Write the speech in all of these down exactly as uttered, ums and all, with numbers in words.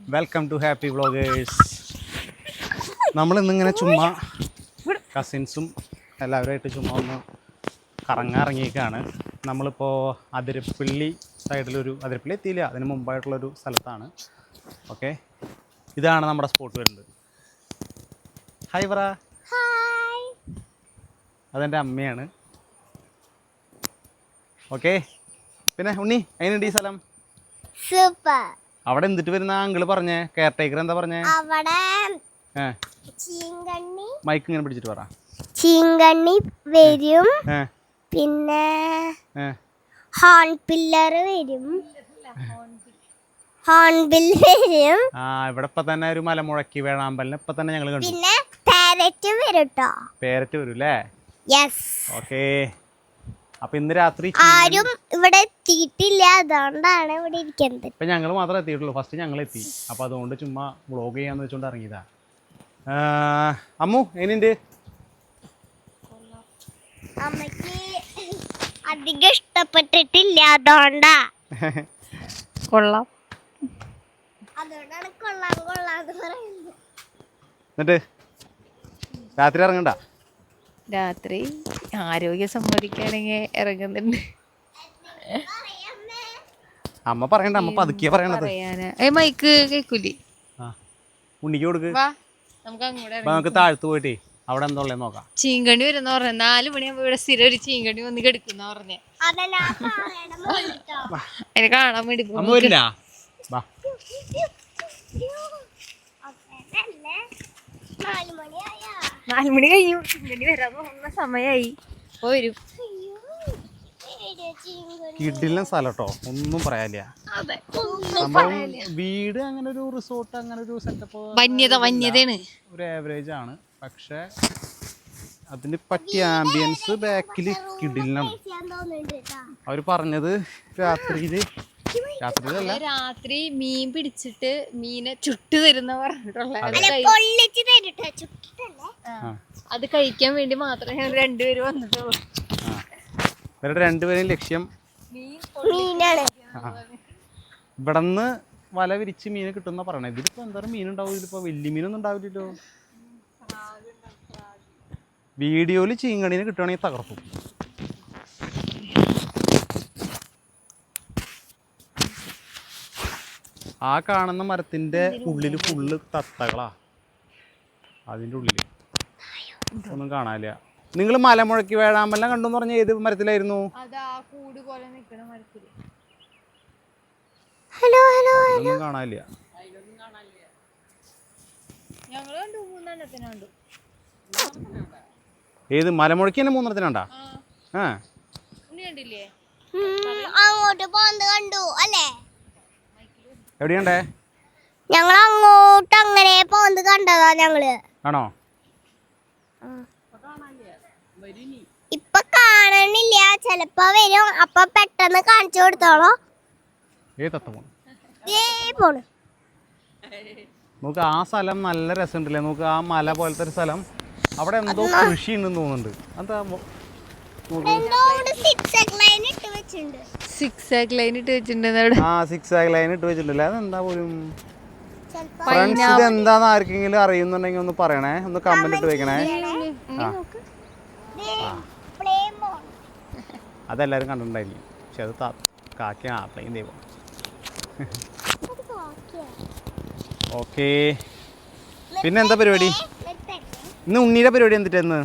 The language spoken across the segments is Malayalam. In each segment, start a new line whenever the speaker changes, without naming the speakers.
Welcome to happy vloggers. നമ്മൾ ഇന്നിങ്ങനെ ചുമ്മാ കസിൻസും എല്ലാവരുമായിട്ട് ചുമ്മാ ഒന്ന് കറങ്ങാറിങ്ങിയേക്കാണ്. നമ്മളിപ്പോൾ അതിരപ്പള്ളി സൈഡിലൊരു, അതിരപ്പള്ളി എത്തിയില്ല, അതിന് മുമ്പായിട്ടുള്ളൊരു സ്ഥലത്താണ്. ഓക്കെ, ഇതാണ് നമ്മുടെ സ്പോട്ട് വരുന്നത്. ഹായ് പറ. അതെൻ്റെ അമ്മയാണ്. ഓക്കെ, പിന്നെ ഉണ്ണി എങ്ങനെയുണ്ട് ഈ സ്ഥലം?
സൂപ്പർ.
അവിടെ എന്തിട്ട് വരുന്ന അങ്കിള് പറഞ്ഞേ? കെയർ ടേക്കർ എന്താ പറഞ്ഞേ?
അവിടെ
മൈക്ക് ഇങ്ങനെ പിടിച്ചിട്ട് പറ.
ചീങ്കണ്ണി വരും, പിന്നെ ഹോൺ പില്ലർ വരും, ഹോൺബിൽ വരും.
ആ, ഇവിടെ ഇപ്പൊ തന്നെ ഒരു മലമുഴക്കി വേഴാമ്പലിനെ ഇപ്പൊ തന്നെ ഞങ്ങൾ കണ്ടു.
പിന്നെ പാരറ്റ് വരും ട്ടോ.
പേരറ്റ് വരും അല്ലേ?
യെസ്.
ഓക്കെ, അപ്പൊ ഇന്ന് രാത്രി
ആരും ഇവിടെ എത്തിയിട്ടില്ല, അതുകൊണ്ടാണ് ഇവിടെ ഇരിക്കുന്നത്.
ഇപ്പൊ ഞങ്ങൾ മാത്രമേ എത്തിയിട്ടുള്ളൂ. ഫസ്റ്റ് ഞങ്ങൾ എത്തി, അപ്പൊ അതുകൊണ്ട് ചുമ്മാ വ്ളോഗ് ചെയ്യാന്ന് വെച്ചോണ്ട് ഇറങ്ങിയതാ. അമ്മു എങ്ങനെയുണ്ട്?
അമ്മക്ക് അധികം ഇഷ്ടപ്പെട്ടിട്ടില്ല, അതുകൊണ്ടാ.
കൊള്ളാം,
അതുകൊണ്ടാണ് കൊള്ളാം കൊള്ളാന്ന് പറയുന്നത്.
എന്നിട്ട് രാത്രി ഇറങ്ങണ്ട?
രാത്രി ആരോഗ്യം സമ്മതിക്കുകയാണെങ്കിൽ ഇറങ്ങുന്നുണ്ട്.
അമ്മ പറയണ്ട, അമ്മ പതുക്കിയ പറയണത്.
ഏ മൈക്ക് കേക്കൂലേ?
ഉണ്ണിക്ക് കൊടുക്ക്.
നമുക്ക് അങ്ങോട്ട്
നമുക്ക് താഴ്ത്തു പോയിട്ടേ അവിടെ എന്താ ഉള്ളത് നോക്കാം.
ചീങ്കണ്ണി വരുന്ന പറഞ്ഞ നാല് മണിയാകുമ്പോ ഇവിടെ സ്ഥിരം ഒരു ചീങ്കണ്ണി വന്ന് കിടക്കുന്ന പറഞ്ഞ അതിനെ കാണാൻ വേണ്ടി
അമ്മ വരില്ല.
നാല് മണി കഴിഞ്ഞു, ചീങ്കണ്ണി വരാൻ തോന്നുന്ന സമയായി. വരും.
കിടിലൻ സ്ഥലം കേട്ടോ, ഒന്നും പറയാനില്ല. സംഭവം വീട് അങ്ങനെ ഒരു റിസോർട്ട് അങ്ങനെ ഒരു സെറ്റപ്പ്
വന്യത വന്യതയാണ്,
ഒരു ആവറേജ് ആണ്. പക്ഷെ അതിന് പറ്റിയ ആംബിയൻസ് ബാക്കില് കിടിലാണ്. അവര് പറഞ്ഞത് രാത്രിയില് രാത്രിയിലല്ല
രാത്രി മീൻ പിടിച്ചിട്ട് മീനെ ചുട്ടു തരുന്ന പറഞ്ഞിട്ടുള്ള അത് കഴിക്കാൻ വേണ്ടി മാത്രമേ ഞങ്ങൾ രണ്ടുപേരും വന്നിട്ടുള്ളൂ.
ഇവരുടെ രണ്ടുപേരും ലക്ഷ്യം
മീനാണ്.
ഇവിടെന്ന് വല വിരിച്ച് മീൻ കിട്ടുന്ന പറയണേ. ഇതിലിപ്പോ എന്തായാലും മീൻ ഉണ്ടാവും. ഇതിലിപ്പോ വലിയ മീനൊന്നും ഉണ്ടാവില്ലല്ലോ. വീഡിയോയില് ചീങ്കണീനെ കിട്ടുവാണെങ്കിൽ തകർക്കും. ആ കാണുന്ന മരത്തിന്റെ ഉള്ളില് ഫുള്ള് തത്തകളാ. അതിന്റെ ഉള്ളില് ഒന്നും കാണാനില്ല. നിങ്ങൾ മലമുഴക്കി വേഴാമ്പലിനെ കണ്ടെന്ന് പറഞ്ഞ ഏത് മരത്തിലായിരുന്നു?
ഹലോ ഹലോ
ഒന്നും കാണാനില്ല. ഏത് മലമുഴക്കി തന്നെ മൂന്നെണ്ണത്തിനുണ്ടാ? ആ,
അങ്ങോട്ട് പോന്നത് കണ്ടു അല്ലേ?
എവിടെയുണ്ടേ?
ഞങ്ങൾ അങ്ങോട്ട് അങ്ങനെ പോന്നത് കണ്ടതാ ഞങ്ങള്.
ആണോ?
ഇപ്പൊ കാണണില്ല, ചെലപ്പോ വരും. അപ്പൊ പെട്ടെന്ന് കാണിച്ചു കൊടുത്തോളോ.
ഏ തത്ത പോണു
പോണു.
നോക്ക്, ആ സ്ഥലം നല്ല രസമുണ്ടല്ലേ. നോക്ക്, ആ മല പോലത്തെ ഒരു സ്ഥലം. അവിടെ എന്തോ കൃഷി ഉണ്ടെന്ന് തോന്നുന്നുണ്ട്. എന്താ
സിക്സ് ആക്ക് ലൈൻ ഇട്ട് വെച്ചിട്ടുണ്ട്.
ആ, സിക്സ് ആക്ക് ലൈൻ ഇട്ട് വെച്ചിട്ടുണ്ടല്ലേ. അതെന്താ പോലും ഫ്രണ്ട്സ്, ഇത് എന്താന്ന് ആർക്കെങ്കിലും അറിയുന്നുണ്ടെങ്കിൽ ഒന്ന് പറയണേ, ഒന്ന് കമന്റ് ഇട്ട് വെക്കണേ. അതെല്ലാരും കണ്ടിട്ടുണ്ടായിരിക്കും. പക്ഷെ അത് കാക്കിയ പ്ലെയിൻ ദൈവം. ഓക്കെ, പിന്നെ എന്താ പരിപാടി? ഇന്ന് ഉണ്ണിയുടെ പരിപാടി എന്തിട്ടെന്ന്?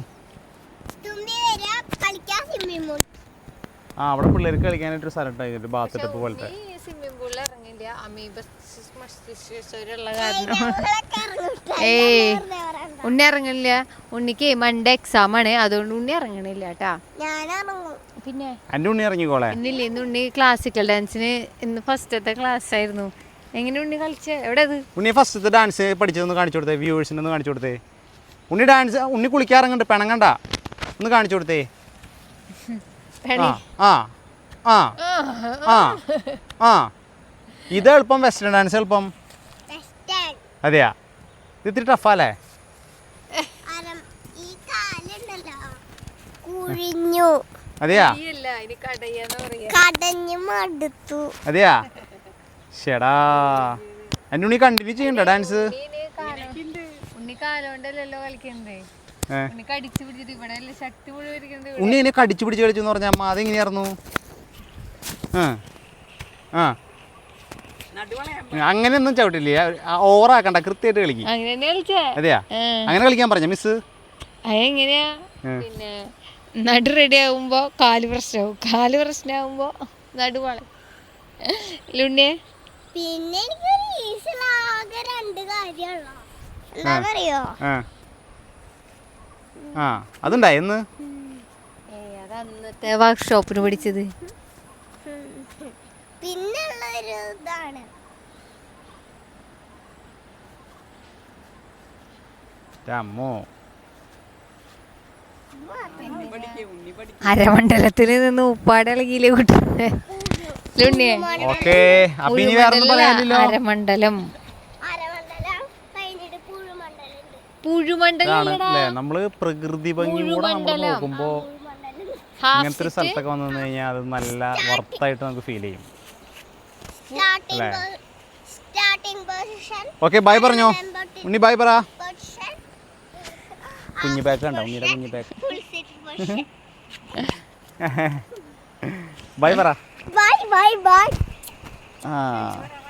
ആ, അവിടെ പിള്ളേർക്ക് കളിക്കാനായിട്ടൊരു സ്ഥലം ഉണ്ടായിരുന്നു, ബാത്ത് ടപ്പ് പോലത്തെ.
സ്വിമ്മിംഗ് പൂളിൽ ഇറങ്ങില്ല, അമീബ കാരണം ഏയ് ഉണ്ണി ഇറങ്ങണില്ല. ഉണ്ണിക്ക് മൺഡേ എക്സാം ആണ്, അതുകൊണ്ട് ഉണ്ണി ഇറങ്ങണില്ല കേട്ടാ. പിന്നെ
എന്റെ ഉണ്ണി ഇറങ്ങിക്കോളെ.
ഇന്നില്ലേ, ഇന്ന് ഉണ്ണി ക്ലാസിക്കൽ ഡാൻസിന് ഇന്ന് ഫസ്റ്റത്തെ ക്ലാസ് ആയിരുന്നു. എങ്ങനെ ഉണ്ണി കളിച്ച? എവിടെ
ഉണ്ണി ഫസ്റ്റത്തെ ഡാൻസ് പഠിച്ചതൊന്ന് കാണിച്ചു കൊടുത്തേ, വ്യൂവേഴ്സിന് ഒന്ന് കാണിച്ചു കൊടുത്തേ. ഉണ്ണി ഡാൻസ്, ഉണ്ണി കുളിക്കാറങ്ങണ്ട്, പെണങ്ങണ്ട, ഒന്ന് കാണിച്ചു കൊടുത്തേ. ആ ആ ആ ആ ഇത് എളുപ്പം, വെസ്റ്റേൺ ഡാൻസ് എളുപ്പം. അതെയാ? ഇത് ഇത്തിരി ടഫാല്ലേ? അതെയാ? അതെയാ? ഷെടാ, എൻ്റെ ഉണ്ണി കണ്ടിന്യൂ ചെയ്യണ്ട ഡാൻസ്.
ഉണ്ണി കാലോണ്ടല്ലോ കളിക്കണ്ടേ, ഉണ്ണി കടിച്ചു പിടിച്ചിട്ട് ഇവിടെ ശക്തി മുഴുവൻ.
ഉണ്ണി എന്നെ കടിച്ചു പിടിച്ച് കളിച്ചു എന്ന് പറഞ്ഞാൽ അമ്മ അതെങ്ങനെയായിരുന്നു? ആ ആ അങ്ങനെയൊന്നും ചവിട്ടില്ലേ, ഓവറാക്കണ്ട, കൃത്യമായിട്ട് കളിക്കും. അതെയാ, അങ്ങനെ കളിക്കാൻ പറഞ്ഞ മിസ്.
അതെങ്ങനെയാ പിന്നെ നടു റെഡി ആകുമ്പോ കാല് പ്രശ്നമാവും, കാല് പ്രശ്നമാകുമ്പോ നടുവാള ലുണ്ണിയെ.
പിന്നെ എനിക്കൊരു ഈസിലാകെ രണ്ട് കാര്യമുള്ളൂ, എന്താണെന്നറിയോ?
ആ അതുണ്ടായി എന്ന്
അത് അന്നത്തെ വർക്ക്ഷോപ്പിന് പഠിച്ചത്.
പിന്നുള്ളൊരു ഇതാണ്
അമ്മോ,
അരമണ്ഡലത്തിൽ നിന്ന് ഉപ്പാട് ഇളകിയില്ലേ കൂട്ടുന്നത് ലുണ്ണിയെ.
ഓക്കേ, അപ്പൊ ഇനി വേറൊന്നും പറയാനില്ലല്ലോ.
അരമണ്ഡലം പുഴുമണ്ഡലം
അല്ലേ, നമ്മള് പ്രകൃതി ഭംഗി കൂടെ നമ്മൾ നോക്കുമ്പോ ഇങ്ങനത്തെ ഒരു സ്ഥലത്തൊക്കെ വന്നു കഴിഞ്ഞാൽ അത് നല്ല വർത്തായിട്ട് നമുക്ക് ഫീൽ ചെയ്യും. ഓക്കെ, ബൈ പറഞ്ഞോ ഉണ്ണി, ബൈ പറ. കുഞ്ഞു ബാഗ് കണ്ടോ ഉണ്ണിയുടെ കുഞ്ഞു ബാഗ്. ബൈ പറ.
Bye bye bye.
ആ